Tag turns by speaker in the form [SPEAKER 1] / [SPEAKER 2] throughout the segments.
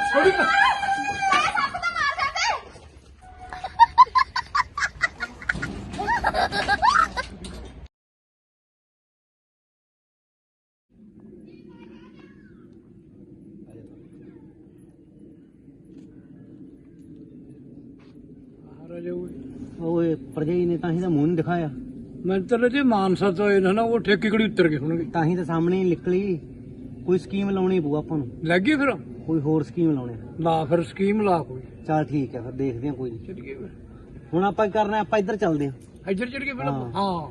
[SPEAKER 1] ਥੋੜੀ
[SPEAKER 2] ਓਏ ਭਰਜਾਈ ਨੇ ਤਾਂ ਹੀ ਤਾਂ ਮੂੰਹ ਨਹੀਂ ਦਿਖਾਇਆ।
[SPEAKER 1] ਮੈਂ ਤਾਂ ਜੇ ਮਾਨਸਾ ਤੋਂ ਇਹਨਾਂ ਨਾ ਉਹ ਠੇਕੇ ਕਿਹੜੀ ਉੱਤਰ ਗਏ ਹੋਣਗੇ
[SPEAKER 2] ਤਾਂ ਹੀ ਤਾਂ ਸਾਹਮਣੇ ਹੀ ਨਿਕਲੀ। ਕੋਈ ਸਕੀਮ ਲਾਉਣੀ ਪਊ ਆਪਾਂ ਨੂੰ,
[SPEAKER 1] ਲੱਗੀ ਫਿਰ
[SPEAKER 2] ਕੋਈ ਹੋਰ ਸਕੀਮ ਲਾਉਣੇ।
[SPEAKER 1] ਲਾ ਫਿਰ ਸਕੀਮ ਲਾ ਕੋਈ
[SPEAKER 2] ਚੱਲ ਠੀਕ ਹੈ ਫਿਰ ਦੇਖਦੇ ਹਾਂ ਕੋਈ ਨਹੀਂ।
[SPEAKER 1] ਚੱਲੀਏ ਫਿਰ
[SPEAKER 2] ਹੁਣ ਆਪਾਂ ਕੀ ਕਰਨਾ, ਆਪਾਂ ਇੱਧਰ ਚੱਲਦੇ ਹਾਂ।
[SPEAKER 1] ਇੱਧਰ ਚੜ ਕੇ ਪਹਿਲਾਂ
[SPEAKER 2] ਹਾਂ।
[SPEAKER 1] ਹਾਂ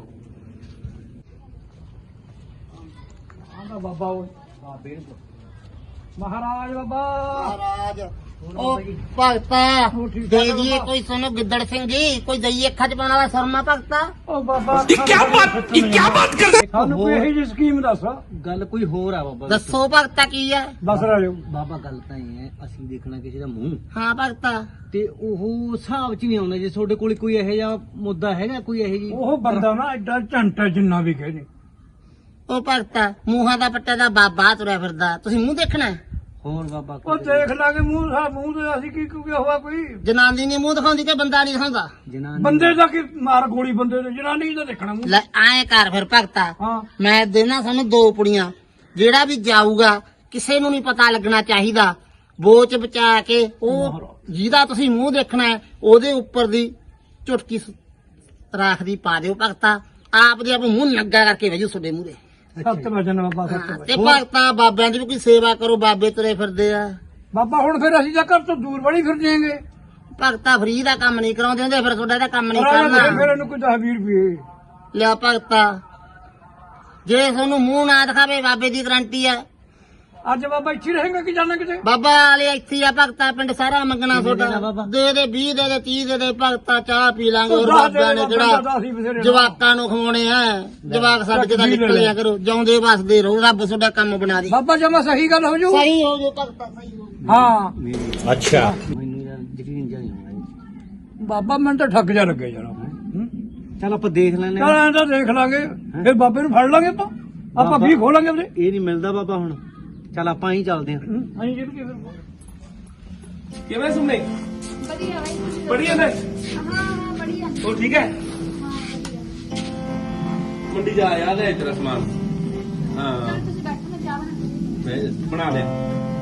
[SPEAKER 1] ਆਂਦਾ ਬਾਬਾ ਓਏ ਮਹਾਰਾਜ ਬਾਬਾ
[SPEAKER 3] ਮਹਾਰਾਜ ਉਹ ਭਗਤਾ ਦੇ ਦੀਏ ਕੋਈ ਸੁਣੋ ਗਿੱਦੜ ਸਿੰਘ ਜੀ, ਕੋਈ ਦਈਏ ਅੱਖਾਂ ਚ ਪਾਉਣ ਵਾਲਾ ਸਰਮਾ ਭਗਤਾ।
[SPEAKER 1] ਉਹ ਬਾਬਾ ਕੀ ਬਾਤ ਕਰਦੇ ਸਾਨੂੰ ਕੋਈ ਇਹੋ ਜਿਹੀ ਸਕੀਮ ਦੱਸ
[SPEAKER 2] ਗੱਲ ਕੋਈ ਹੋਰ ਆ ਬਾਬਾ।
[SPEAKER 3] ਦੱਸੋ ਭਗਤਾ ਕੀ ਹੈ?
[SPEAKER 1] ਦੱਸ ਰਹੇ
[SPEAKER 2] ਬਾਬਾ ਗੱਲ ਤਾਂ ਇਹ ਹੈ, ਅਸੀਂ ਦੇਖਣਾ ਕਿਸੇ ਦਾ ਮੂੰਹ
[SPEAKER 3] ਹਾਂ ਭਗਤਾ।
[SPEAKER 2] ਤੇ ਉਹ ਹਿਸਾਬ ਚ ਨਹੀਂ ਆਉਂਦਾ। ਜੇ ਤੁਹਾਡੇ ਕੋਲ ਕੋਈ ਇਹੋ ਜਿਹਾ ਮੁੱਦਾ ਹੈਗਾ, ਕੋਈ ਇਹੋ ਜੀ
[SPEAKER 1] ਉਹ ਬੰਦਾ ਨਾ ਐਡਾ ਝੰਟਾ ਜਿੰਨਾ ਵੀ ਕਹੇ
[SPEAKER 3] ਉਹ ਭਗਤਾ ਮੂੰਹਾਂ ਦਾ ਪੱਟਾ ਦਾ ਬਾਬਾ ਤੁਰਿਆ ਫਿਰਦਾ, ਤੁਸੀਂ ਮੂੰਹ ਦੇਖਣਾ?
[SPEAKER 2] ਹੋਰ ਬਾਬਾ
[SPEAKER 1] ਉਹ ਦੇਖ ਲਾਂਗੇ ਮੂੰਹ ਸਾ ਮੂੰਹ ਤੇ ਅਸੀਂ ਕੀ ਕਿਉਂ ਹੋਇਆ ਕੋਈ
[SPEAKER 3] ਜਨਾਨੀ ਨੇ ਮੂੰਹ ਦਿਖਾਉਂਦੀ ਕਿ ਬੰਦਾ ਨਹੀਂ ਦਿਖਾਉਂਦਾ?
[SPEAKER 2] ਜਨਾਨੀ
[SPEAKER 1] ਬੰਦੇ ਦਾ ਕੀ ਮਾਰ ਗੋਲੀ ਬੰਦੇ ਦੇ ਜਨਾਨੀ ਦਾ ਦੇਖਣਾ ਮੂੰਹ।
[SPEAKER 3] ਲੈ ਐਂ ਕਰ ਫਿਰ ਭਗਤਾ,
[SPEAKER 1] ਹਾਂ
[SPEAKER 3] ਮੈਂ ਦੇਣਾ ਸਾਨੂੰ 2 ਪੁੜੀਆਂ। ਜਿਹੜਾ ਵੀ ਜਾਊਗਾ ਕਿਸੇ ਨੂੰ ਨਹੀਂ ਪਤਾ ਲੱਗਣਾ ਚਾਹੀਦਾ, ਬੋਚ ਬਚਾ ਕੇ ਉਹ ਜਿਹਦਾ ਤੁਸੀਂ ਮੂੰਹ ਦੇਖਣਾ ਹੈ ਉਹਦੇ ਉੱਪਰ ਦੀ ਚੁਟਕੀ ਰਾਖ ਦੀ ਪਾ ਦਿਓ ਭਗਤਾ। ਆਪ ਦੇ ਆਪ ਮੂੰਹ ਨੰਗਾ ਕਰਕੇ ਵਜੂ ਤੁਹਾਡੇ ਮੂਹਰੇ।
[SPEAKER 1] ਸੱਤ ਵਜਨ ਬਾਬਾ
[SPEAKER 3] ਹਾਂ,
[SPEAKER 1] ਸੱਤ
[SPEAKER 3] ਤੇ
[SPEAKER 1] ਵਜਨ
[SPEAKER 3] ਭਗਤਾ ਬਾਬਿਆਂ ਦੀ ਵੀ ਕੋਈ ਸੇਵਾ ਕਰੋ, ਬਾਬੇ ਤੁਰੇ ਫਿਰਦੇ ਆ।
[SPEAKER 1] ਬਾਬਾ ਹੁਣ ਫਿਰ ਅਸੀਂ ਤਾਂ ਘਰ ਤੋਂ ਦੂਰ ਬੜੀ ਫਿਰ ਜਾਏਂਗੇ।
[SPEAKER 3] ਭਗਤਾ ਫਰੀ ਦਾ ਕੰਮ ਨਹੀਂ ਕਰਾਉਂਦੇ ਹੁੰਦੇ, ਫਿਰ ਤੁਹਾਡਾ ਇਹਦਾ ਕੰਮ ਨਹੀਂ
[SPEAKER 1] ਫਿਰ
[SPEAKER 3] ਕਰਨਾ।
[SPEAKER 1] ਇਹਨੂੰ ਕੋਈ 10-20 ਰੁਪਏ
[SPEAKER 3] ਲਿਆ ਭਗਤਾ, ਜੇ ਤੁਹਾਨੂੰ ਮੂੰਹ ਨਾ ਦਿਖਾਵੇ ਬਾਬੇ ਦੀ ਗਰੰਟੀ ਆ।
[SPEAKER 1] ਅੱਜ ਬਾਬਾ ਇੱਥੇ ਰਹੇਗਾ ਕਿ ਜਾਣਾ ਕਿਤੇ?
[SPEAKER 3] ਬਾਬਾ ਵਾਲੇ ਇੱਥੇ ਆ ਭਗਤਾ, ਪਿੰਡ ਸਾਰਾ ਮੰਗਣਾ
[SPEAKER 2] ਦੇਣਾ
[SPEAKER 3] ਤੁਹਾਡਾ।
[SPEAKER 2] ਬਾਬਾ?
[SPEAKER 3] ਦੇ ਦੇ 20 ਦੇ ਦੇ 30 ਦੇ ਦੇ ਭਗਤਾ, ਚਾਹ ਪੀ ਲਾਂਗੇ। ਹੋਰ
[SPEAKER 1] ਦੱਸ ਦੇ
[SPEAKER 3] ਬਾਬਿਆਂ ਨੇ
[SPEAKER 1] ਬਾਬਾ,
[SPEAKER 3] ਕਿਹੜਾ
[SPEAKER 1] ਦੱਸ ਹੀ ਬਥੇਰੇ
[SPEAKER 3] ਜਵਾਕਾਂ ਨੂੰ ਖਵਾਉਣੇ ਆ? ਜਵਾਕ ਛੱਡ ਕੇ ਤਾਂ ਨਿਕਲਿਆ ਕਰੋ, ਜਿਉਂਦੇ ਵਸਦੇ ਰਹੋ, ਰੱਬ ਤੁਹਾਡਾ ਕੰਮ ਬਣਾ ਦੇ।
[SPEAKER 1] ਬਾਬਾ ਜਮਾ ਸਹੀ ਗੱਲ ਹੋ ਜੂ।
[SPEAKER 3] ਸਹੀ ਹੋ ਜੋ ਭਗਤਾ, ਸਹੀ ਹੋ ਜਾਊ।
[SPEAKER 1] ਹਾਂ
[SPEAKER 2] ਅੱਛਾ ਮੈਨੂੰ ਯਾਰ ਯਕੀਨ ਜਿਹਾ ਨਹੀਂ ਆਉਂਦਾ।
[SPEAKER 1] ਬਾਬਾ ਮੈਨੂੰ ਤਾਂ ਠੱਗ ਜਾ ਲੱਗੇ ਜਰਾ।
[SPEAKER 2] ਚੱਲ ਆਪਾਂ ਦੇਖ ਲੈਨੇ
[SPEAKER 1] ਚਲ ਐਂ ਤਾਂ ਦੇਖ ਲਾਂਗੇ, ਫਿਰ ਬਾਬੇ ਨੂੰ ਫੜ ਲਾਂਗੇ ਆਪਾਂ 20 ਖੋਲਾਂਗੇ ਉਹਦੇ।
[SPEAKER 2] ਇਹ ਨਹੀਂ ਮਿਲਦਾ ਬਾਬਾ ਹੁਣ। ਚੱਲ ਆਪਾਂ ਹੀ ਚੱਲਦੇ ਹਾਂ।
[SPEAKER 1] ਅਸੀਂ ਜਿਹੜੀ ਫਿਰ
[SPEAKER 4] ਕਿਵੇਂ ਸੁਣਨੇ
[SPEAKER 5] बढ़िया भाई।
[SPEAKER 4] बढ़िया ने
[SPEAKER 5] हाँ हाँ बढ़िया।
[SPEAKER 4] तो ठीक है
[SPEAKER 5] हाँ बढ़िया।
[SPEAKER 4] मंडी जा याद है तेरा सामान हाँ
[SPEAKER 5] चल तुझे बैठो, मैं चाह बना।
[SPEAKER 4] मैं बना ले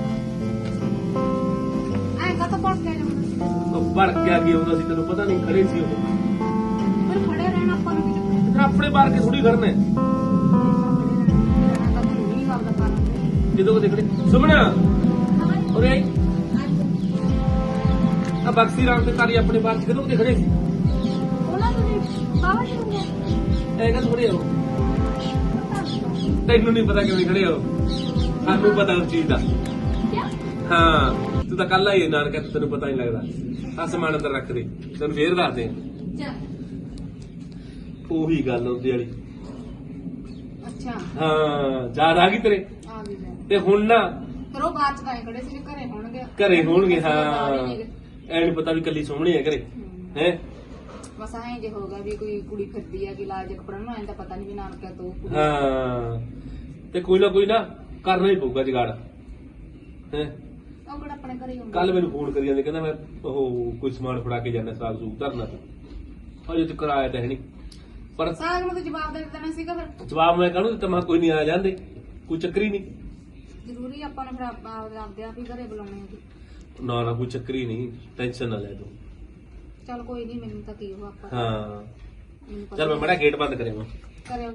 [SPEAKER 5] आएगा तो पहुंच गया जाऊंगा।
[SPEAKER 4] तो बढ़ क्या किया होता सी तेन पता नहीं खड़े सी उਦੋਂ।
[SPEAKER 5] फिर खड़े रहना अपन भी चक्कर।
[SPEAKER 4] इतना अपने बार के थोड़ी करने ਜਦੋਂ ਕੋ ਦੇਖੜੇ ਸੁਮਣਾ ਉਰੇ ਆਈ ਆ ਬਕਸੀ ਰਾਮ ਤੇ ਤਾਰੀ ਆਪਣੇ ਬਾਹਰ ਕਿਦੋਂ ਕੋ ਦੇਖੜੇ ਸੀ
[SPEAKER 5] बोला तुझे बाबा जी होंगे।
[SPEAKER 4] ਐ ਕਾ ਥੋੜੀ ਹੋ ਤੈਨੂੰ ਨਹੀਂ ਪਤਾ ਕਿਵੇਂ ਖੜੇ ਹੋ ਸਾਨੂੰ ਪਤਾ ਉਸ ਚੀਜ਼ ਦਾ
[SPEAKER 5] क्या?
[SPEAKER 4] ਹਾਂ ਤੂੰ ਤਾਂ ਕੱਲ ਆਈ ਨਾਨਕਾ ਤੈਨੂੰ ਪਤਾ ਨਹੀਂ ਲੱਗਦਾ ਆ ਸਮਾਨ ਅੰਦਰ ਰੱਖ ਦੇ ਤੈਨੂੰ ਫੇਰ ਦੱਸਦੇ ਆ
[SPEAKER 5] चल।
[SPEAKER 4] ਉਹੀ ਗੱਲ ਉਹਦੇ ਵਾਲੀ
[SPEAKER 5] अच्छा
[SPEAKER 4] ਹਾਂ ਯਾਦ ਆ ਗਈ ਤੇਰੇ
[SPEAKER 5] आ भी जाए।
[SPEAKER 4] ਤੇ ਹੁਣ ਨਾ
[SPEAKER 5] फिर वो बात का खड़े से घरे होंगे।
[SPEAKER 4] ਘਰੇ ਹੋਣਗੇ ਹਾਂ ਐ ਨਹੀਂ ਪਤਾ ਵੀ ਕੱਲੀ ਸੋਹਣੀ ਹੈ ਘਰੇ ਹੈ
[SPEAKER 5] बस आए जे होगा भी कोई कुड़ी फिरती है कि लाज कपड़ा ना आंदा पता नहीं भी नाम क्या तो कुड़ी।
[SPEAKER 4] ਹਾਂ ਤੇ ਕੋਈ ਨਾ ਕਰਨਾ ਹੀ ਪਊਗਾ ਜਗਾੜ ਹੈ
[SPEAKER 5] ਉਹ ਕਿਹੜਾ ਆਪਣੇ ਘਰੇ ਹੀ ਹੁੰਦਾ।
[SPEAKER 4] ਕੱਲ ਮੈਨੂੰ ਫੋਨ ਕਰੀ ਜਾਂਦੇ ਕਹਿੰਦਾ ਮੈਂ ਉਹ ਕੋਈ ਸਮਾਨ ਫੜਾ ਕੇ ਜਾਣਾ ਸਾਗ ਸੂਗ ਧਰਨਾ ਤੇ ਅਜੇ ਤੱਕ ਆਇਆ ਤਾਂ ਹੈ ਨਹੀਂ ਪਰ
[SPEAKER 5] ਸਾਗ ਨੂੰ ਤਾਂ ਜਵਾਬ ਦੇ ਦੇਣਾ ਸੀਗਾ ਫਿਰ।
[SPEAKER 4] ਜਵਾਬ ਮੈਂ ਕਾਹਨੂੰ ਦਿੱਤਾ ਮੈਂ ਕੋਈ ਨਹੀਂ ਆ ਜਾਂਦੇ ਕੋਈ ਚੱਕਰ ਹੀ ਨਹੀਂ
[SPEAKER 5] ਜ਼ਰੂਰੀ ਆਪਾਂ ਨੇ ਫਿਰ ਆਪਦੇ ਆਪ ਹੀ ਘਰੇ ਬੁਲਾਉਣੇ ਆ।
[SPEAKER 4] ਨਾ ਕੋਈ ਚੱਕਰ ਹੀ ਨਹੀਂ ਟੈਨਸ਼ਨ ਨਾ ਲੈ ਤੂੰ
[SPEAKER 5] ਚੱਲ ਕੋਈ ਨਹੀਂ, ਮੈਨੂੰ ਤਾਂ ਕੀ ਹੋ ਆਪਾਂ
[SPEAKER 4] ਹਾਂ
[SPEAKER 5] ਮੈਨੂੰ ਪਤਾ
[SPEAKER 4] ਚੱਲ ਮੈਂ ਬੜਾ ਗੇਟ ਬੰਦ ਕਰਿਆ
[SPEAKER 5] ਕਰਿਓ।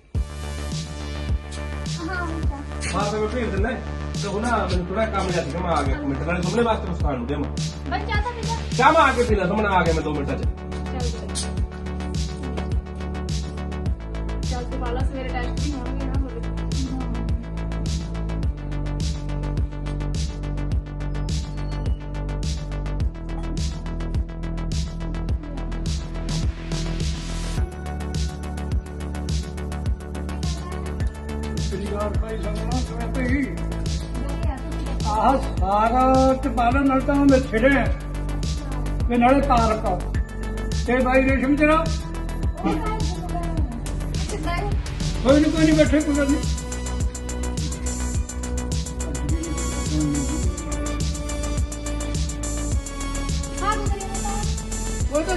[SPEAKER 4] ਹਾਂ ਮੈਂ ਭੇਜ ਦਿੰਦਾ ਤੇ ਉਹ ਨਾ ਮੈਨੂੰ ਥੋੜਾ ਕੰਮ ਜਿਹਾ ਸੀਗਾ ਮੈਂ ਆ ਗਿਆ ਇੱਕ ਮਿੰਟ ਨਾਲੇ ਸੁਪਨੇ ਵਾਸਤੇ ਮੁਸਕਾਨ ਨੂੰ ਦੇਵਾਂ
[SPEAKER 5] ਬਸ ਚਾਹ ਤਾਂ ਪੀਲਾ।
[SPEAKER 4] ਚਾਹ ਮੈਂ ਆ ਕੇ ਪੀਣਾ ਸੁਮਨ ਆ ਗਿਆ ਮੈਂ 2 ਮਿੰਟਾਂ ਚ
[SPEAKER 5] ਚੱਲ ਤੇ ਵਾਲਾ ਸਵੇਰੇ ਟੈਸਟ ਵੀ ਹੋਣਗੇ ਨਾ ਤੁਹਾਡੇ।
[SPEAKER 1] ਸ਼੍ਰੀਗੜ੍ਹ ਭਾਈ ਸੰਗਣਾ ਕਿਵੇਂ ਪਈ ਆਹ ਸਾਰਾ ਤੇ ਬਾਲਣ ਨਾਲ ਤਾਂ ਮੈਂ ਛਿੜਿਆ ਤੇ ਨਾਲੇ ਤਾਰਕ ਤੇ ਬਾਈ ਰੇਸ਼ਮ ਤੇਰਾ ਕੋਈ ਨਹੀਂ ਬੈਠੇ ਕੋਈ ਗੱਲ ਨਹੀਂ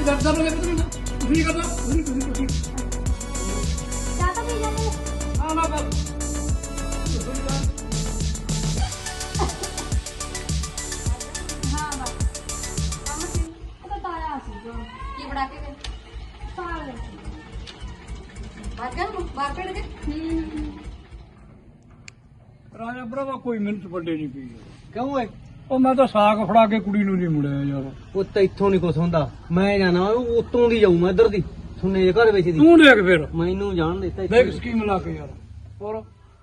[SPEAKER 1] ਡਰਦਾ ਨਹੀਂ ਤੁਸੀਂ ਕਰਦਾ ਤੁਸੀਂ
[SPEAKER 6] ਚਾਹ ਤਾਂ ਪੀ ਜਾਂਦੇ
[SPEAKER 1] ਨਾ ਨਾ ਬਸ
[SPEAKER 6] ਹਾਂ ਬਸ ਕੰਮ ਸੀ ਉਹ ਤਾਂ ਤਾਇਆ ਸੀ ਜੋ
[SPEAKER 5] ਕੀ ਬਣਾ ਕੇ ਗਏ
[SPEAKER 6] ਤਾਇਆ
[SPEAKER 5] ਬਾਹਰ ਕੱਢ ਕੇ
[SPEAKER 1] ਰਾਜਾ ਭਰਾਵਾ ਕੋਈ ਮਿਹਨਤ ਵੱਡੇ ਨਹੀਂ ਪਈ
[SPEAKER 2] ਕਿਉਂ ਓਏ
[SPEAKER 1] ਉਹ ਮੈਂ ਤਾਂ ਸਾਗ ਫੜਾ ਕੇ ਕੁੜੀ ਨੂੰ ਨਹੀਂ ਮੁੜਿਆ ਯਾਰ
[SPEAKER 2] ਉਹ ਤਾਂ ਇੱਥੋਂ ਨਹੀਂ ਕੁਛ ਹੁੰਦਾ ਮੈਂ ਜਾਣਾ ਉਹ ਉਤੋਂ ਦੀ ਜਾਊ ਮੈਂ ਇੱਧਰ ਦੀ ਸੁਣੇ ਘਰ ਵਿੱਚ ਦੀ
[SPEAKER 1] ਤੂੰ ਦੇਖ ਫਿਰ
[SPEAKER 2] ਮੈਨੂੰ ਜਾਣ ਦਿੱਤਾ
[SPEAKER 1] ਦੇਖ ਸਕੀਮ ਲਾ ਕੇ ਯਾਰ ਹੋਰ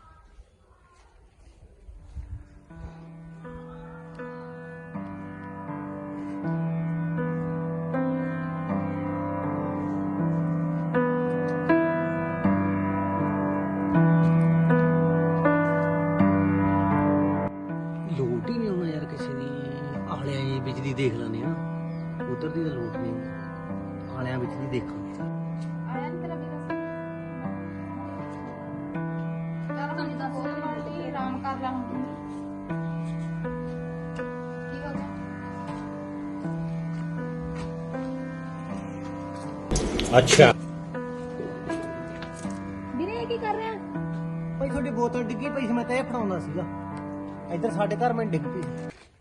[SPEAKER 2] ਲੋਟ ਹੀ ਨਹੀਂ ਆਉਣਾ ਯਾਰ ਕਿਸੇ ਦੀ ਆਲਿਆਂ ਦੀ ਬਿਜਲੀ ਦੇਖ ਲੈਣੇ ਆ ਉਧਰ ਦੀ ਤਾਂ ਲੋਟ ਨਹੀਂ ਆਉਣੀ। ਆਲਿਆਂ ਵਿੱਚ ਦੀ ਦੇਖਾਂ
[SPEAKER 6] ਆਇਆ ਨੀ ਤੇਰਾ ਵੀਰਾ
[SPEAKER 5] ਚੱਲ ਸਾਨੂੰ ਦੱਸ ਮਾਲਤੀ ਆਰਾਮ ਕਰ ਲੈ ਹੁਣ ਕੀ ਹੋ ਗਿਆ
[SPEAKER 6] ਵੀਰੇ ਇਹ ਕੀ ਕਰ ਰਿਹਾ
[SPEAKER 2] ਭਾਈ ਤੁਹਾਡੀ ਬੋਤਲ ਡਿੱਗੀ ਪਈ ਸੀ ਮੈਂ ਤਾਂ ਇਹ ਫੜਾਉਂਦਾ ਸੀਗਾ ਇੱਧਰ ਸਾਡੇ ਘਰ ਮੈਂ ਡਿੱਗ ਪਈ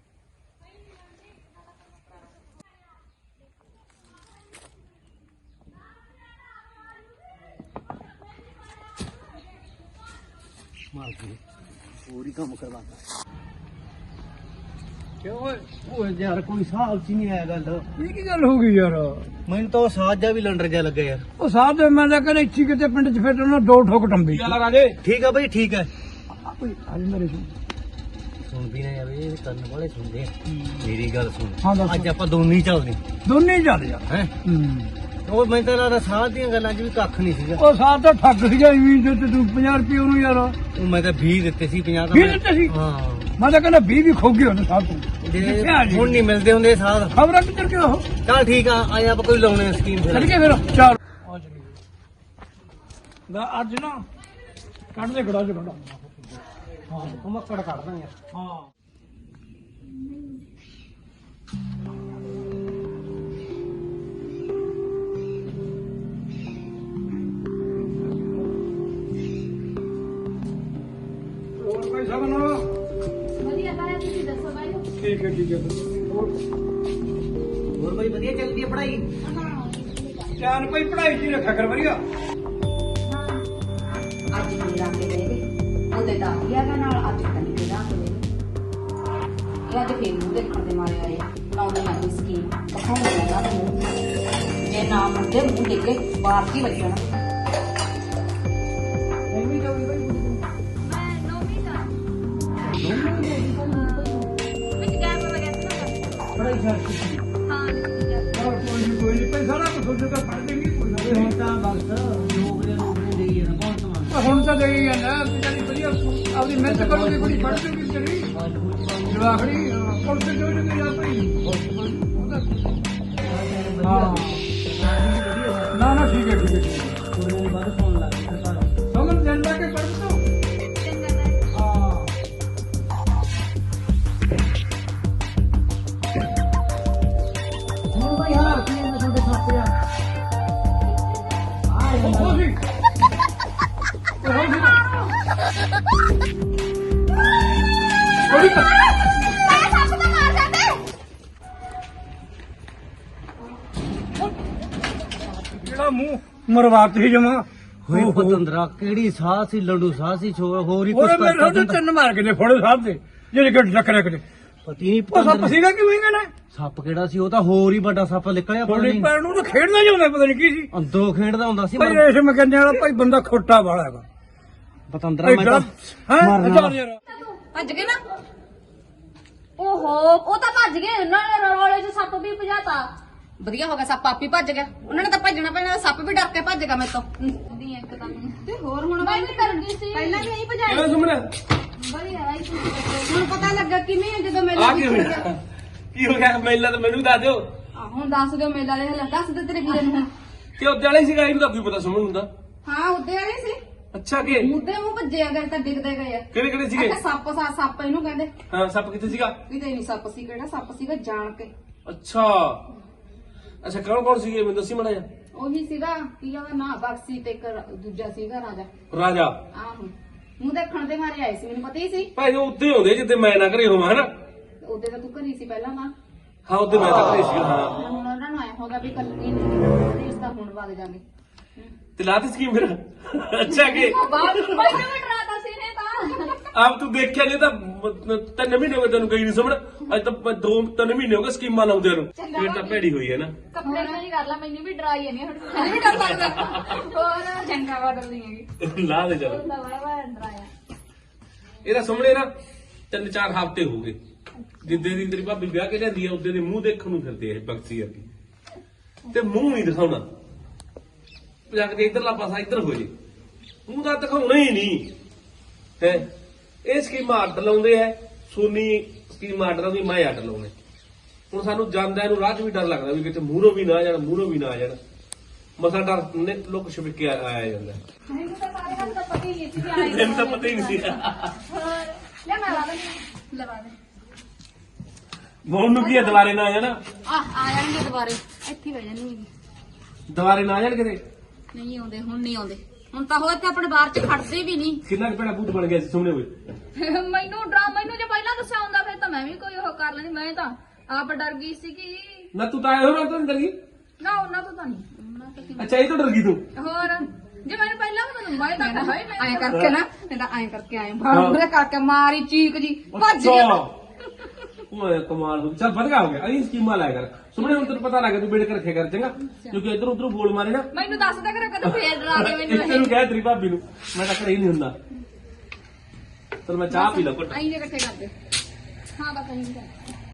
[SPEAKER 2] ਮਾਰ ਕੇ ਹੋਰ ਹੀ ਕੰਮ ਕਰਵਾਤਾ
[SPEAKER 1] ਕਿਉਂ ਓਏ
[SPEAKER 2] ਓਏ ਯਾਰ ਕੋਈ ਹਿਸਾਬ ਚ ਨਹੀਂ ਆਇਆ ਗੱਲ
[SPEAKER 1] ਇਹ ਕੀ ਗੱਲ ਹੋ ਗਈ ਯਾਰ
[SPEAKER 2] ਮੈਨੂੰ ਤਾਂ ਉਹ ਸਾਜਾ ਵੀ ਲੰਡਰ ਜਾ ਲੱਗਾ ਯਾਰ
[SPEAKER 1] ਉਹ ਸਾਹ ਦੇ ਮੈਂ ਤਾਂ ਕਹਿੰਦਾ ਇੱਥੇ ਕਿਤੇ ਪਿੰਡ 'ਚ ਫਿਰ ਉਹਨਾਂ ਦੋ ਠੋਕ ਟੰਬੀ
[SPEAKER 4] ਰਾਜੇ
[SPEAKER 2] ਠੀਕ ਆ ਭਾਈ ਠੀਕ ਹੈ
[SPEAKER 1] ਅੱਜ ਮੇਰੇ
[SPEAKER 2] ਸੁਣ ਵੀ ਨਾ ਯਾਰ ਇਹ ਕੰਨ ਵਾਲੇ ਸੁਣਦੇ ਆ ਮੇਰੀ ਗੱਲ
[SPEAKER 1] ਹਾਂ,
[SPEAKER 2] ਸੁਣ
[SPEAKER 1] ਦੱਸ।
[SPEAKER 2] ਅੱਜ ਆਪਾਂ ਦੋਨੇ ਹੀ ਚੱਲਦੇ
[SPEAKER 1] ਦੋਨੇ ਹੀ ਚੱਲ ਯਾਰ
[SPEAKER 2] ਹੈ
[SPEAKER 1] ਹੂੰ।
[SPEAKER 2] ਉਹ ਮੈਨੂੰ ਤਾਂ ਲੱਗਦਾ ਸਾਹ ਦੀਆਂ ਗੱਲਾਂ 'ਚ ਵੀ ਕੱਖ ਨਹੀਂ ਸੀਗਾ
[SPEAKER 1] ਉਹ ਸਾਹ ਤਾਂ ਠੱਗ ਸੀਗਾ ਇਵੇਂ ਤੇ ਤੂੰ 50 ਰੁਪਏ ਉਹਨੂੰ ਯਾਰ
[SPEAKER 2] ਉਹ ਮੈਂ ਤਾਂ 20 ਦਿੱਤੇ ਸੀ 50 ਤਾਂ
[SPEAKER 1] 20
[SPEAKER 2] ਮੈਂ-
[SPEAKER 1] ਦਿੱਤੇ ਸੀ?
[SPEAKER 2] ਹਾਂ
[SPEAKER 1] ਮੈਂ ਤਾਂ ਕਹਿੰਦਾ 20 ਵੀ ਖੋ ਗਏ ਉਹਨੇ ਸਾਹ ਤੋਂ
[SPEAKER 2] ਜੇ
[SPEAKER 1] ਕਿੱਥੇ ਆ ਜੀ?
[SPEAKER 2] ਹੁਣ ਨਹੀਂ ਮਿਲਦੇ ਹੁੰਦੇ ਸਾਹ
[SPEAKER 1] ਖਬਰਾਂ ਕਿੱਧਰ ਗਿਆ ਉਹ
[SPEAKER 2] ਚੱਲ ਠੀਕ ਆ ਆਏ ਆਪਾਂ ਕੋਈ ਲਾਉਣੇ ਸਕੀਮ
[SPEAKER 1] ਚੱਲ
[SPEAKER 2] ਫਿਰ
[SPEAKER 1] ਕੇ ਫਿਰ ਚਾਰ ਦਾ ਅੱਜ ਨਾ ਕੱਢ ਦੇ ਗੜਾ ਚ ਗੜਾ
[SPEAKER 2] ਹਾਂ ਉਹ ਮੱਕੜ ਕੱਢ ਦਾਂਗੇ
[SPEAKER 1] ਹਾਂ ਹੋਰ ਕੋਈ ਸਭ ਨਾ
[SPEAKER 6] ਵਧੀਆ ਤਾਇਆ ਤੁਸੀਂ ਦੱਸੋ ਬਾਈ
[SPEAKER 1] ਠੀਕ ਹੈ ਹੋਰ
[SPEAKER 2] ਹੋਰ ਭਾਈ ਵਧੀਆ ਚੱਲਦੀ ਹੈ ਪੜ੍ਹਾਈ
[SPEAKER 1] ਚਾਨ ਕੋਈ ਪੜਾਈ ਜੀ ਰੱਖਿਆ ਕਰ ਵਧੀਆ
[SPEAKER 5] ਅੱਜ ਮੇਰਾ ਕੇ ਗਏ ਵੇ ਉਹਦੇ ਦਾਦੀਆ ਦਾ ਨਾਲ ਅੱਜ ਪਤਾ ਨਹੀਂ ਕਿਹੜਾ ਹੋਵੇ ਇਹ ਅੱਜ ਫੇਰ ਨੂੰ ਦੇਖਣ ਦੇ ਮਾਰੇ ਆਏ ਲਾਉਂਦੇ ਨਾ ਕੋਈ ਸਕੀਮ ਦਿਖਾਉਂਦੇ ਨਾ ਦਾ ਮੂੰਹ ਜੇ ਨਾ ਮੁੰਡੇ ਮੂੰਹ ਡਿੱਗੇ ਬਾਹਰ ਕੀ ਵੱਜਣਾ
[SPEAKER 2] ਐਵੇਂ ਜਾਊਗੀ ਭਾਈ
[SPEAKER 6] ਮੈਂ ਨੌਵੀਂ ਦਾ ਵਿੱਚ ਗੈਪ ਵਗੈਰਾ ਨਾ
[SPEAKER 2] ਪੜ੍ਹਾਈ ਛੱਡ
[SPEAKER 6] ਹਾਂ ਵਿੱਚ
[SPEAKER 1] ਹੋਰ ਕੋਈ ਨਹੀਂ ਪੈਸਾ ਨਾ ਸੋਚੋ ਤਾਂ ਪੜ ਦੇਂਗੇ ਕੋਈ
[SPEAKER 2] ਇਹ
[SPEAKER 1] ਨਾ
[SPEAKER 2] ਹੁਣ ਤਾਂ ਬਸ ਲੋਕ ਨੇ ਦੇਈ ਜਾਣਾ ਬਹੁਤ ਸਮਾਨ
[SPEAKER 1] ਹੁਣ ਤਾਂ ਦੇਈ ਜਾਂਦਾ ਵਿਚਾਰੀ ਵਧੀਆ ਆਪਣੀ ਮਿਹਨਤ ਕਰੋਗੇ ਬੜੀ ਪੜ ਜੂਗੀ ਵਿਚਾਰੀ ਜਵਾਖੜੀ ਪੁਲਿਸ ਜੋ ਜੋ ਗਿਆ ਭਾਈ ਹਾਂ ਨਾ ਨਾ ਠੀਕ ਹੈ ਠੀਕ ਹੈ, ਠੀਕ ਹੈ
[SPEAKER 2] ਕੋਈ ਬਾਅਦ ਫੋਨ ਲਾ ਕੇ
[SPEAKER 1] ਸਮਝ ਜਾਂਦਾ ਕਿ ਪੜ ਤੋ
[SPEAKER 6] ਚੰਗਾ ਤਾਇਆ
[SPEAKER 1] ਹਾਂ
[SPEAKER 2] ਹੁਣ ਭਾਈ ਹਾਰ ਕੀ ਮੈਂ ਤੁਹਾਡੇ ਸਾਥ ਆ
[SPEAKER 1] ਉਹ ਸੀ
[SPEAKER 6] ਤਾਇਆ ਸੱਪ ਤਾਂ ਮਾਰ ਜਾਂਦੇ
[SPEAKER 1] ਜਿਹੜਾ ਮੂੰਹ ਮਰਵਾਤ ਹੀ ਜਮਾ
[SPEAKER 2] ਹੋਈ ਪਤੰਦਰਾ ਕਿਹੜੀ ਸਾਹ ਸੀ ਲੰਡੂ ਸਾਹ ਸੀ ਹੋਰ ਹੀ ਕੁਝ
[SPEAKER 1] ਉਹ ਮੇਰੇ ਨਾਲ ਤਿੰਨ ਮਾਰ ਕੇ ਨੇ ਫੋੜੇ ਸਾਹਿਬ ਦੇ ਜਿਹੜੇ ਕਿ ਟੱਕਰੇ ਕਰੇ
[SPEAKER 2] ਪਤੀ ਨਹੀਂ
[SPEAKER 1] ਉਹ ਸੱਪ ਸੀਗਾ ਕਿਉਂ ਹੀ ਨਾ
[SPEAKER 2] ਸੱਪ ਕਿਹੜਾ ਸੀ ਉਹ ਤਾਂ ਹੋਰ ਹੀ ਵੱਡਾ ਸੱਪ ਨਿਕਲਿਆ ਪਤਾ
[SPEAKER 1] ਥੋੜੀ
[SPEAKER 2] ਨਹੀਂ
[SPEAKER 1] ਪੈਰ ਨੂੰ ਤਾਂ ਖੇਡਣਾ ਜਾਂਦਾ ਪਤਾ ਨਹੀਂ ਕੀ ਸੀ
[SPEAKER 2] ਅੰਦਰੋਂ ਖੇਡਦਾ ਹੁੰਦਾ ਸੀ
[SPEAKER 1] ਭਾਈ ਇਸ ਮਕੰਨੇ ਵਾਲਾ ਭਾਈ ਬੰਦਾ ਖੋਟਾ ਵਾਲਾ ਹੈਗਾ
[SPEAKER 2] ਪਤੰਦਰਾ ਮੈਂ ਤਾਂ
[SPEAKER 1] ਹੈ
[SPEAKER 2] ਮਰਨਾ
[SPEAKER 1] ਚੱਲ ਯਾਰ
[SPEAKER 5] ਭੱਜ ਗਏ ਨਾ
[SPEAKER 6] ਓਹੋ ਉਹ ਤਾਂ ਭੱਜ ਗਏ ਉਹਨਾਂ ਨੇ ਰੋਲੇ 'ਚ ਸੱਪ ਵੀ ਭਜਾਤਾ
[SPEAKER 5] ਵਧੀਆ ਹੋ ਗਿਆ ਸੱਪ ਆਪੀ ਭੱਜ ਗਿਆ ਉਹਨਾਂ ਨੇ ਤਾਂ ਭੱਜਣਾ ਪੈਣਾ ਸੱਪ ਵੀ ਡਰ ਕੇ ਭੱਜ ਗਿਆ ਮੇਰੇ ਤੋਂ
[SPEAKER 6] ਦੀ ਇੱਕ ਤਾਂ
[SPEAKER 5] ਤੇ ਹੋਰ ਹੁਣ
[SPEAKER 6] ਬਾਈ ਵੀ ਕਰ ਗਈ ਸੀ
[SPEAKER 5] ਪਹਿਲਾਂ ਵੀ ਇਹੀ ਭਜਾਇਆ
[SPEAKER 1] ਕਿਵੇਂ ਸੁਮਣੇ
[SPEAKER 6] ਵਧੀਆ ਆਈ ਤੁਸੀਂ
[SPEAKER 5] ਹੁਣ ਪਤਾ ਲੱਗਾ ਕਿਵੇਂ ਆ ਜਦੋਂ ਮੇਲਾ ਦੇਖਿਆ
[SPEAKER 4] ਕੀ ਹੋ ਗਿਆ ਮੇਲਾ ਤਾਂ ਮੈਨੂੰ ਦੱਸ ਦਿਓ
[SPEAKER 5] ਹੁਣ ਦੱਸ ਦਿਓ ਮੇਲਾ ਦੇ ਹਾਲਾਤ ਦੱਸ ਦੇ ਤੇਰੇ ਵੀਰੇ ਨੂੰ ਹੁਣ
[SPEAKER 4] ਕਿ ਉੱਤੇ ਵਾਲੇ ਸੀਗਾ ਇਹਨੂੰ ਤਾਂ ਵੀ ਪਤਾ ਸੁਣਨ ਹੁੰਦਾ
[SPEAKER 5] ਹਾਂ ਉੱਦੇ ਵਾਲੇ ਸੀ
[SPEAKER 4] ਅੱਛਾ ਕਿ
[SPEAKER 5] ਮੁੱਦੇ ਮੂੰਹ ਭੱਜੇ ਅਗਰ ਤਾਂ ਡਿੱਗਦੇ ਗਏ ਆ
[SPEAKER 4] ਕਿਹੜੇ ਕਿਹੜੇ ਸੀਗੇ
[SPEAKER 5] ਸੱਪ ਇਹਨੂੰ ਕਹਿੰਦੇ
[SPEAKER 4] ਹਾਂ ਸੱਪ ਕਿੱਥੇ ਸੀਗਾ
[SPEAKER 5] ਕਿਤੇ ਨਹੀਂ ਸੱਪ ਸੀ ਕਿਹੜਾ ਸੱਪ ਸੀਗਾ ਜਾਣ ਕੇ
[SPEAKER 4] ਅੱਛਾ ਅੱਛਾ ਕੌਣ ਸੀਗੇ ਮੈਨੂੰ ਦੱਸੀ ਮੜਾ ਜਾ।
[SPEAKER 5] ਉਹੀ ਸੀਗਾ ਕੀ ਉਹਦਾ ਨਾਂ ਬਕਸੀ ਤੇ ਇੱਕ ਦੂਜਾ ਸੀਗਾ ਰਾਜਾ।
[SPEAKER 4] ਰਾਜਾ
[SPEAKER 5] ਆਹੋ ਮੂੰਹ ਦੇਖਣ ਦੇ ਮਾਰੇ ਆਏ ਸੀ, ਮੈਨੂੰ ਪਤਾ ਹੀ ਸੀ।
[SPEAKER 4] ਭਾਈ ਉਹ ਉੱਤੇ ਹੁੰਦੇ ਜਿੱਦੇ ਮੈਂ ਨਾ ਘਰੇ ਹੋਵਾਂ ਹਨਾ।
[SPEAKER 5] ਉਹਦੇ ਤਾਂ ਤੂੰ ਘਰੀ ਸੀ ਪਹਿਲਾਂ ਤਾਂ।
[SPEAKER 4] ਹਾਂ ਉੱਤੇ ਮੈਂ ਤਾਂ ਘਰੇ ਸੀ ਹਾਂ।
[SPEAKER 5] ਹੁਣ ਉਹਨਾਂ ਨੂੰ ਆਇਆ ਹੋਗਾ ਵੀ ਕੱਲੀ ਨਹੀਂ ਇਸ ਤਾਂ ਹੁਣ ਵਗ ਜਾਗੇ।
[SPEAKER 4] ਤੇ ਲਾਤੀ ਸਕੀਮ ਫਿਰ ਅੱਛਾ ਕਿ
[SPEAKER 6] ਮੈਨੂੰ ਵੀ ਡਰਾਤਾ ਸੀ ਨੇ ਤਾਂ
[SPEAKER 4] ਆਪ ਤੂੰ ਦੇਖਿਆ ਨਹੀਂ ਤਾਂ 3 ਮਹੀਨੇ ਹੋ ਗਏ ਤੈਨੂੰ ਗਈ ਨਹੀਂ ਸਮਝ। ਅੱਜ ਤਾਂ 2-3 ਮਹੀਨੇ ਹੋ ਗਏ ਸਕੀਮਾਂ ਲਾਉਂਦੇ ਨੂੰ। ਫਿਰ ਤਾਂ ਭੈੜੀ ਹੋਈ ਹੈ ਨਾ।
[SPEAKER 6] ਕੰਪਲੇਂਟ ਨਹੀਂ ਕਰ ਲਾ, ਮੈਨੂੰ ਵੀ ਡਰਾਈ ਨਹੀਂ ਹੁਣ ਮੈਨੂੰ ਵੀ ਡਰ ਲੱਗਦਾ ਹੋਰ
[SPEAKER 5] ਚੰਗਾ ਬਦਲਦੀ ਹੈਗੀ।
[SPEAKER 4] ਲਾ ਦੇ ਚਲੋ।
[SPEAKER 6] ਹੁੰਦਾ ਬੜਾ ਡਰਾਇਆ।
[SPEAKER 4] ਇਹਦਾ ਸਾਹਮਣੇ ਨਾ 3-4 ਹਫ਼ਤੇ ਹੋ ਗਏ ਜਿੱਦੇ ਦੀ ਤੇਰੀ ਭਾਬੀ ਵਿਆਹ ਕੇ ਜਾਂਦੀ ਆ ਉਹਦੇ ਦੇ ਮੂੰਹ ਦੇਖਣ ਨੂੰ ਫਿਰਦੇ ਆ ਬਕਸੀ ਅੱਗੇ ਤੇ ਮੂੰਹ ਨਹੀਂ ਦਿਖਾਉਣਾ। ਜਾ ਕੇ ਇਧਰਲਾ ਪਾਸਾ ਇੱਧਰ ਹੋ ਜੇ ਮੂੰਹ ਤਾਂ ਦਿਖਾਉਣਾ ਹੀ ਨਹੀਂ ਹੈ। ਇਹ ਸਕੀਮਾਂ ਅੱਡ ਲਾਉਂਦੇ ਐ। ਸੋਨੀ ਸਕੀਮਾਂ ਅੱਡ ਲਾਉਂਦੀ, ਮੈਂ ਅੱਡ ਲਾਉਣੇ। ਹੁਣ ਸਾਨੂੰ ਜਾਂਦਿਆਂ ਨੂੰ ਰਾਹ 'ਚ ਵੀ ਡਰ ਲੱਗਦਾ ਵੀ ਕਿਤੇ ਮੂਹਰੋਂ ਵੀ ਨਾ ਆ ਜਾਣ, ਮੂਹਰੋਂ ਵੀ ਨਾ ਆ ਜਾਣ। ਮਸਾ ਡਰ ਨੇ ਲੁੱਕ ਛਿਪ ਕੇ ਆਇਆ ਜਾਂਦਾ।
[SPEAKER 6] ਮੈਨੂੰ ਤਾਂ ਸਾਰੇ ਗੱਲ ਤਾਂ ਪਤਾ ਹੀ ਨਹੀਂ ਸੀ ਕਿ ਆਏ
[SPEAKER 4] ਮੈਨੂੰ ਤਾਂ ਪਤਾ ਹੀ ਨਹੀਂ ਸੀ।
[SPEAKER 6] ਹੋਰ ਲੈ ਮੈਂ ਲਾ ਦੇ ਲਵਾ ਦੇ
[SPEAKER 4] ਮੋਹਨ ਨੂੰ ਕੀ ਹੈ ਦੁਬਾਰੇ ਨਾ ਆ ਜਾਣਾ।
[SPEAKER 5] ਆ ਜਾਣਗੇ ਦੁਬਾਰੇ, ਇੱਥੇ ਬਹਿ ਜਾਣਗੇ।
[SPEAKER 4] ਦੁਬਾਰੇ ਨਾ ਆ ਜਾਣ ਕਿਤੇ।
[SPEAKER 5] ਨਹੀਂ ਆਉਂਦੇ ਹੁਣ, ਨਹੀਂ ਆਉਂਦੇ ਹੁਣ ਤਾਂ ਹੋ ਇੱਥੇ ਆਪਣੇ ਬਾਹਰ ਚ ਖੜਦੇ ਵੀ ਨਹੀਂ।
[SPEAKER 4] ਕਿੰਨਾ ਕੁ ਭੈੜਾ ਭੂਤ ਬਣ ਗਿਆ ਸੀ ਸਾਹਮਣੇ ਹੋਏ।
[SPEAKER 6] ਮੈਨੂੰ ਜੇ ਪਹਿਲਾਂ ਦੱਸਿਆ ਹੁੰਦਾ ਫਿਰ ਤਾਂ ਮੈਂ ਵੀ ਕੋਈ ਉਹ ਕਰ ਲੈਂਦੀ। ਮੈਂ ਤਾਂ ਆਪ ਡਰ ਗਈ ਸੀ ਕਿ
[SPEAKER 4] ਨਾ ਤੂੰ ਤਾਂ ਆਇਆ ਹੋ ਨਾ ਤਾਂ ਅੰਦਰ ਗਈ।
[SPEAKER 6] ਨਾ ਉਹਨਾਂ ਤੋਂ ਤਾਂ ਨਹੀਂ, ਉਹਨਾਂ ਤੋਂ ਕਿਵੇਂ।
[SPEAKER 4] ਅੱਛਾ ਇਹ ਤੋਂ ਡਰ ਗਈ ਤੂੰ।
[SPEAKER 6] ਹੋਰ ਜੇ ਮੈਨੂੰ ਪਹਿਲਾਂ ਪਤਾ ਮੈਂ ਤਾਂ ਹਾਏ ਮੈਂ
[SPEAKER 5] ਐਂ ਕਰਕੇ ਨਾ ਇਹਦਾ ਐਂ ਕਰਕੇ ਆਏ ਬਾਹਰ ਕਰਕੇ ਮਾਰੀ ਚੀਕ ਜੀ ਭੱਜ ਗਿਆ।
[SPEAKER 4] ਓਏ ਕਮਾਲ ਹੋ ਗਈ। ਚੱਲ ਵਧੀਆ ਹੋ ਗਿਆ। ਅਹੀਂ ਸਕੀਮਾਂ ਲਾਇਆ ਕਰ ਸੁਣਨੇ। ਹੁਣ ਤੈਨੂੰ ਪਤਾ ਲੱਗ ਗਿਆ ਤੂੰ ਬੇੜ ਕੇ ਰੱਖਿਆ ਕਰ ਚੰਗਾ। ਕਿਉਂਕਿ ਇਧਰ ਉਧਰ ਬੋਲ ਮਾਰੇ ਨਾ।
[SPEAKER 6] ਮੈਨੂੰ ਦੱਸਦਾ ਕਰ ਕਦੇ ਫੇਰ ਡਰਾ ਦੇ ਮੈਨੂੰ
[SPEAKER 4] ਤੈਨੂੰ ਕਹਿ ਤੇਰੀ ਭਾਬੀ ਨੂੰ ਮੈਂ ਤਾਂ ਘਰੇ ਹੀ ਨਹੀਂ ਹੁੰਦਾ। ਚਲ ਮੈਂ ਚਾਹ ਪੀ ਲਾ ਘੁੱਟ।
[SPEAKER 5] ਐਂ ਜੇ ਇਕੱਠੇ ਕਰਦੇ।
[SPEAKER 6] ਹਾਂ ਬਸ ਨਹੀਂ